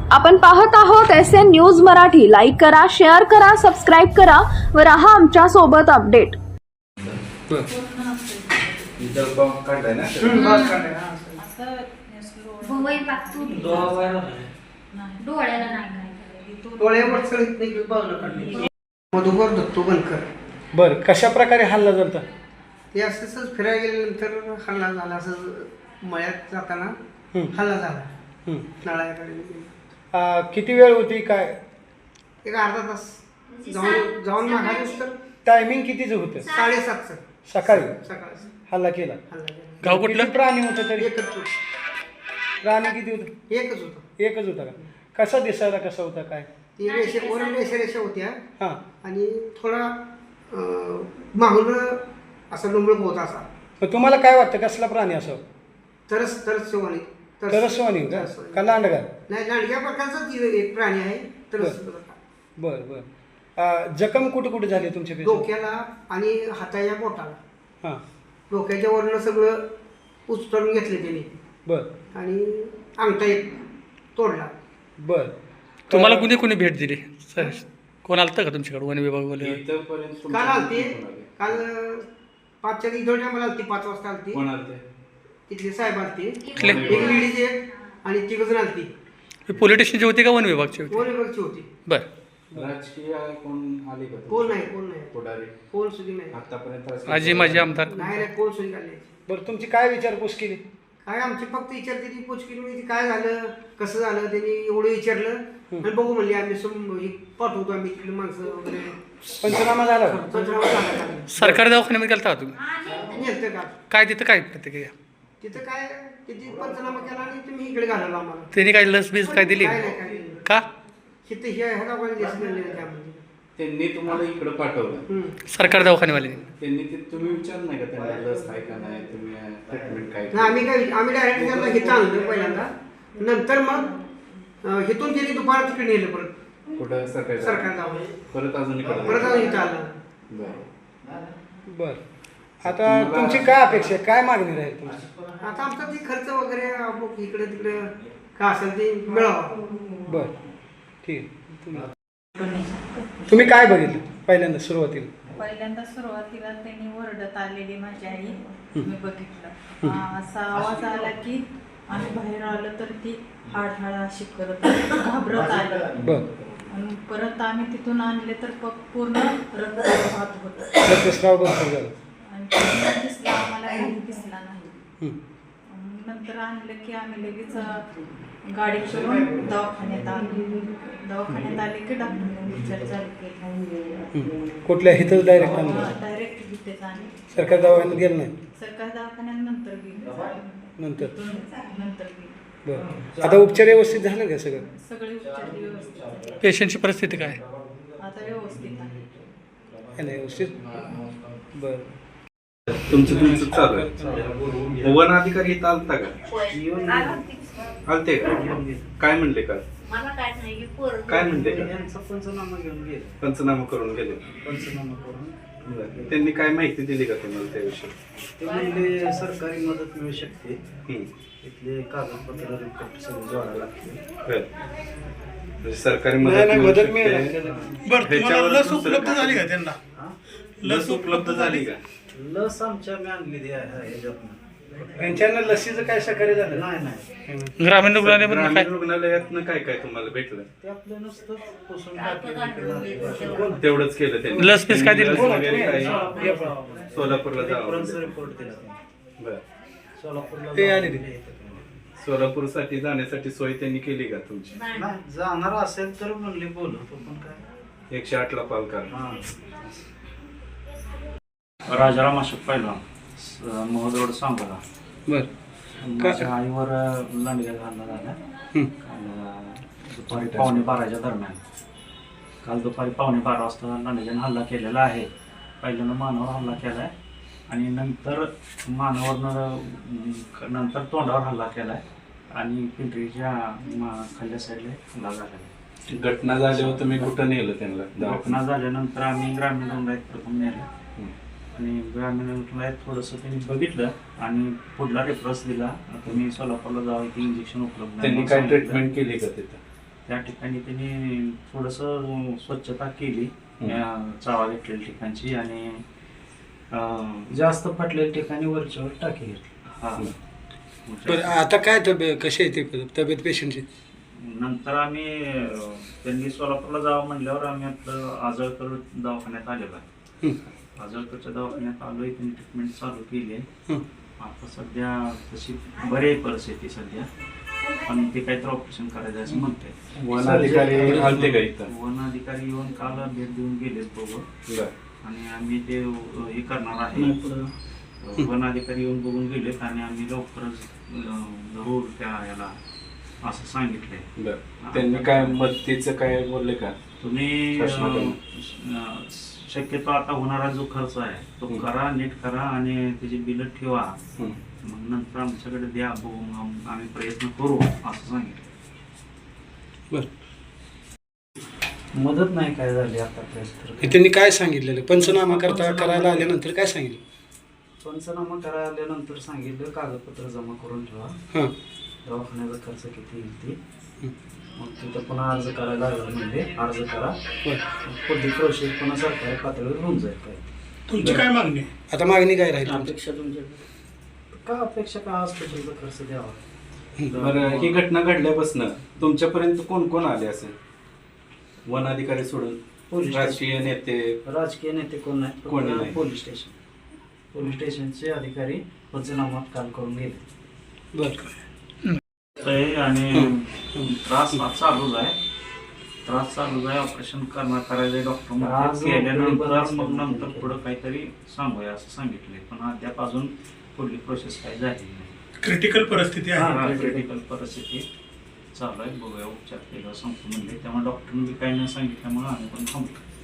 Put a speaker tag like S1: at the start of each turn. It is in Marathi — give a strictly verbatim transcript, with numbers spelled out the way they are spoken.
S1: आपण पाहत आहोत S N news Marathi. Like करा, शेअर करा, सबस्क्राईब करा व रहा आमच्या सोबत अपडेट.
S2: मधुकर दत्तू बनकर.
S3: बर, कशा प्रकारे हल्ला झाला?
S2: ते असंच फिरायला गेल्यानंतर हल्ला झाला. असं मळ्यात जाताना हल्ला झाला. नळाकडे
S3: किती वेळ होती काय?
S2: एक अर्धा तास जाऊन जाऊन मागायचं तर
S3: टायमिंग कितीच होतं?
S2: साडेसातचं
S3: सकाळी
S2: सकाळचं
S3: हल्ला केला.
S2: हल्ला केला.
S4: गाव कुठलं?
S3: किती प्राणी होतं तरी?
S2: एकच होतं.
S3: प्राणी किती होतं?
S2: एकच होतं.
S3: एकच होता का? कसा दिसायला कसा होता काय?
S2: ती रेषे वर रेषा रेषा होत्या
S3: हां.
S2: आणि थोडा मागून असा डोंबळ होत असा.
S3: मग तुम्हाला काय वाटतं कसला प्राणी असावं?
S2: तरच तरच शिवानी
S3: तरस्वानी का? का लांडगा?
S2: नाही, लांडग्या प्रकारचाच एक प्राणी आहे. तरच
S3: बर बर. जखम कुठे कुठे झाली तुमच्या पेशी?
S2: डोक्याला आणि हाताच्या बोटाला.
S3: हां.
S2: डोक्याच्या वरनं सगळं उचलून घेतलं त्याने
S3: बर.
S2: आणि अंगठा एक तोडला.
S3: बर.
S4: तुम्हाला कुणी कुणी भेट दिली सर? कोण आलतं का तुमच्याकडे वन विभागवाले?
S2: काल आलती. काल पाचच्या इथं टायमाला आलती. पाच वाजता आलती. तिथले साहेब आलते. एक लेडीज एक आणि तिघ जण आलती.
S4: पोलीस स्टेशनची होती का वन विभागची होती?
S2: कोण विभागची होती.
S4: बर.
S5: राजकीय कोण आले का?
S2: कोण नाही, कोण नाही,
S5: पुढारी
S2: कोण सुद्धा नाही.
S5: आतापर्यंत
S4: आजी माझी आमदार
S2: नाही नाही, कोण सुद्धा आले.
S3: बरं, तुमची काय विचारपूस केली?
S2: काय आमची फक्त विचारते ती पोच केली म्हणजे काय झालं, कसं झालं, त्यांनी एवढं विचारलं आणि बघू म्हणले आम्ही सम पाठवतो आम्ही तिकडे माणसं वगैरे.
S3: पंचनामा झाला का?
S2: पंचनामा झाला.
S4: सरकारी दवाखान्यामध्ये गेलता का तुम्ही?
S2: नेलतं का
S4: काय तिथं काय प्रतिक्रिया?
S2: तिथं काय तिथे पंचनामा केला आणि तुम्ही इकडे घालवला आम्हाला.
S4: त्यांनी काय लस बीस काय दिली
S2: काय नाही, काय नाही.
S4: का?
S2: तिथं हे ह्या पण दिसलं नाही त्यामध्ये.
S5: त्यांनी तुम्हाला इकडे पाठवलं.
S2: हम्म.
S4: सरकारी दवाखान्यावाले
S5: त्यांनी ते तुम्ही विचार नाही का त्यांना लस आहे का नाही, तुम्ही ट्रीटमेंट काय?
S2: नाही, आम्ही काय आम्ही डायरेक्ट त्यांना हिथं आणलं पहिल्यांदा. नंतर मग अं, हिथून त्यांनी दुपार तिकडे नेलं परत
S5: कुठं सरकारी
S2: सरकार जाऊन
S5: परत अजून इकडे
S2: परत अजून इथं आलं.
S5: बरं.
S3: बर. आता तुमची काय अपेक्षा आहे? काय मागणी राहील तुमची?
S2: आता आमचा ते खर्च वगैरे अमुक इकडे तिकडे काय असेल ते मिळावं.
S3: बर, ठीक आहे. तुम्ही तुम्ही काय बघितलं पहिल्यांदा सुरुवातीला?
S6: पहिल्यांदा सुरुवातीला त्यांनी ओरडत आलेली माझी आई मी बघितलं. असा आवाज आला की आम्ही बाहेर आलं तर ती हाड हाड अशी करत घाबरत आली.
S3: बर.
S6: आणि परत आम्ही तिथून आणले तर प- पूर्ण रक्त वाहत होतं
S3: रक्तस्राव भरपूर झाला.
S6: आणि पूर्ण दिसला आम्हाला काही दिसला नाही.
S3: हं.
S6: आणि नंतर आणलं की आम्ही लगेच अं, गाडी करून दवाखान्यात आलो. दवाखान्यात आले की डॉक्टरने विचार चालू केला.
S3: हं. कुठल्या इथंच डायरेक्ट आणलं?
S6: डायरेक्ट तिथेच आणले.
S3: सरकारी दवाखान्यात गेलं नाही?
S6: सरकारी दवाखान्यात नंतर गेली.
S3: नंतर?
S6: नंतर गेली.
S3: बरं. आता उपचार व्यवस्थित झालं का सगळं?
S6: सगळे उपचार व्यवस्थित झाले.
S4: पेशंटची परिस्थिती काय?
S6: आता व्यवस्थित आहे.
S3: आहे ना व्यवस्थित? बरं.
S5: तुमचं तुमचं चालू आहे. वन अधिकारी इथं आलता का? आलते का? काय म्हणले का? काय म्हणले का?
S2: पंचनामा घेऊन गेले.
S5: पंचनामा करून गेले.
S2: पंचनामा करून
S5: बरं. त्यांनी काय माहिती दिली का तुम्हाला त्याविषयी?
S7: ते म्हणजे सरकारी मदत मिळू शकते.
S5: हं.
S7: इथले कागदपत्र रिपोर्ट सगळे जोडायला लागते.
S5: बरं. म्हणजे सरकारी
S3: नाही,
S5: मदत
S3: नाही,
S5: मिळू
S3: मदत
S5: शकते.
S3: मिळाली.
S4: बरं,
S5: ह्याच्यावर
S4: लस
S5: दुसरं
S4: उपलब्ध
S5: काय?
S4: झाली का त्यांना?
S5: लस उपलब्ध झाली का?
S7: लस आमच्या मी आणलेली आहे ह्याच्यातनं.
S3: यांच्यानं लसीचं काय सहकार्य झालं?
S7: नाही नाही
S4: ग्रामीण रुग्णालयामध्ये
S5: ग्रामीण
S4: काय?
S5: रुग्णालयातनं काय काय तुम्हाला भेटलं?
S7: ते आपलं नुसतं पुसून टाकलं.
S5: तेवढंच केलं त्यांनी.
S4: लस पीस काय दिलं?
S5: लस वगैरे काही सोलापूरला जावं.
S7: रेफरन्स रिपोर्ट दिला त्यांनी.
S5: बरं.
S7: सोलापूरला
S3: ते
S7: जाऊन
S3: आले
S7: दिले इथं.
S5: सोलापूरसाठी जाण्यासाठी सोय त्यांनी केली का तुमची?
S7: नाही जाणार असेल तर म्हणले बोलवतो पण काय.
S5: एकशे आठ ला कॉल करा.
S7: हां
S8: राजाराम अशोक पहिला महोदय सांगला.
S3: बरं.
S8: माझ्या आईवर लांडग्या हल्ला झाला
S3: हं.
S8: काल दुपारी पावणे बाराच्या दरम्यान. काल दुपारी पावणे बारा वाजता लांडग्याने हल्ला केलेला आहे. पहिल्यांदा मानावर हल्ला केला आहे आणि नंतर मानावरनं नंतर तोंडावर हल्ला केला आहे आणि पिंपरीच्या मा खाल्ल्या साईडला हल्ला झालेला आहे.
S5: घटना झाल्यावर तुम्ही कुठं नेलं त्यांना?
S8: घटना झाल्यानंतर आम्ही ग्रामीण रुग्णालयात प्रथम नेलं आणि ग्रामीण रुग्णालयात थोडंसं त्यांनी बघितलं आणि पुढला रेफरन्स दिला. तुम्ही सोलापूरला जावं, की इंजेक्शन उपलब्ध
S5: त्यांनी काय ट्रीटमेंट केली का तिथं?
S8: त्या ठिकाणी त्यांनी थोडंसं स्वच्छता केली या चावा घेतलेल्या ठिकाणची आणि अं, जास्त फाटलेल्या ठिकाणी वरच्यावर टाकी घेतली हा
S3: बरं आता काय तब्येत कशी आहे ती तब्येत पेशंटची?
S8: नंतर आम्ही अं, त्यांनी सोलापूरला जावं म्हणल्यावर आम्ही आपलं आजळकर दवाखान्यात आलेलो आहे.
S3: हं.
S8: आजळकरच्या दवाखान्यात आलो आहे, त्यांनी ट्रीटमेंट चालू केली आहे.
S3: हं.
S8: आता सध्या तशी बरी आहे परिस्थिती सध्या, पण ते काहीतरी ऑपरेशन करायचं असं म्हणते.
S5: वन अधिकारी आलते का इथं?
S8: वन अधिकारी येऊन काल भेट देऊन गेलेत बघून
S5: बरं.
S8: आणि आम्ही ते अं, हे करणार आहे. वन अधिकारी येऊन बघून गेलेत आणि आम्ही लवकरच अं, जरूर त्या याला असं सांगितलंय.
S5: बरं. त्यांनी काय मदतीचं काय बोलले का?
S8: तुम्ही
S5: शासनाकडून?
S8: अं, शक्यतो आता होणारा जो खर्च आहे तो करा, नीट करा आणि त्याची बिलं ठेवा,
S5: हं.
S8: मग नंतर आमच्याकडे द्या, बघून आम- आम्ही प्रयत्न करू असं सांगितलं.
S3: बरं.
S8: मदत नाही काय झाली आता तर
S3: त्यांनी काय सांगितलेलं पंचनामा करता करायला आल्यानंतर काय सांगितलं?
S8: पंचनामा करायला आल्यानंतर सांगितलं कागदपत्र जमा करून ठेवा,
S3: हां.
S8: दवाखान्याचा खर्च किती येईल ते, मग तिथं पुन्हा अर्ज करायला लागला म्हणजे अर्ज करा, पुढली प्रोसेस पुन्हा सरकारी पातळीवर होऊन जाईल. काय
S3: तुमची काय मागणी? आता मागणी काय राहील तुमची?
S8: अपेक्षा तुमच्याकडे का अपेक्षा का हॉस्पिटलचा खर्च द्यावा.
S5: बरं, ही घटना घडल्यापासून तुमच्यापर्यंत कोण कोण आले असेल वन अधिकारी सोडून?
S8: पोलीस
S5: राजकीय नेते?
S8: राजकीय नेते कोण नाही,
S5: कोणी नाही.
S8: पोलीस स्टेशन पोलीस स्टेशनचे अधिकारी पंचनामा काल करून गेले.
S3: बरं.
S8: आणि त्रास चालूच आहे, त्रास चालूच आहे. ऑपरेशन करणार करायचं डॉक्टर केल्यानंतर मग नंतर पुढं काहीतरी सांगूया असं सांगितलंय, पण अद्याप अजून पुढली प्रोसेस काही झाली नाही.
S3: क्रिटिकल परिस्थिती आहे.
S8: क्रिटिकल परिस्थिती चालू आहे, बघूया उपचार केला सांगतो म्हणले, त्यामुळे डॉक्टरने काही नाही सांगितल्यामुळे आम्ही पण थांबतो.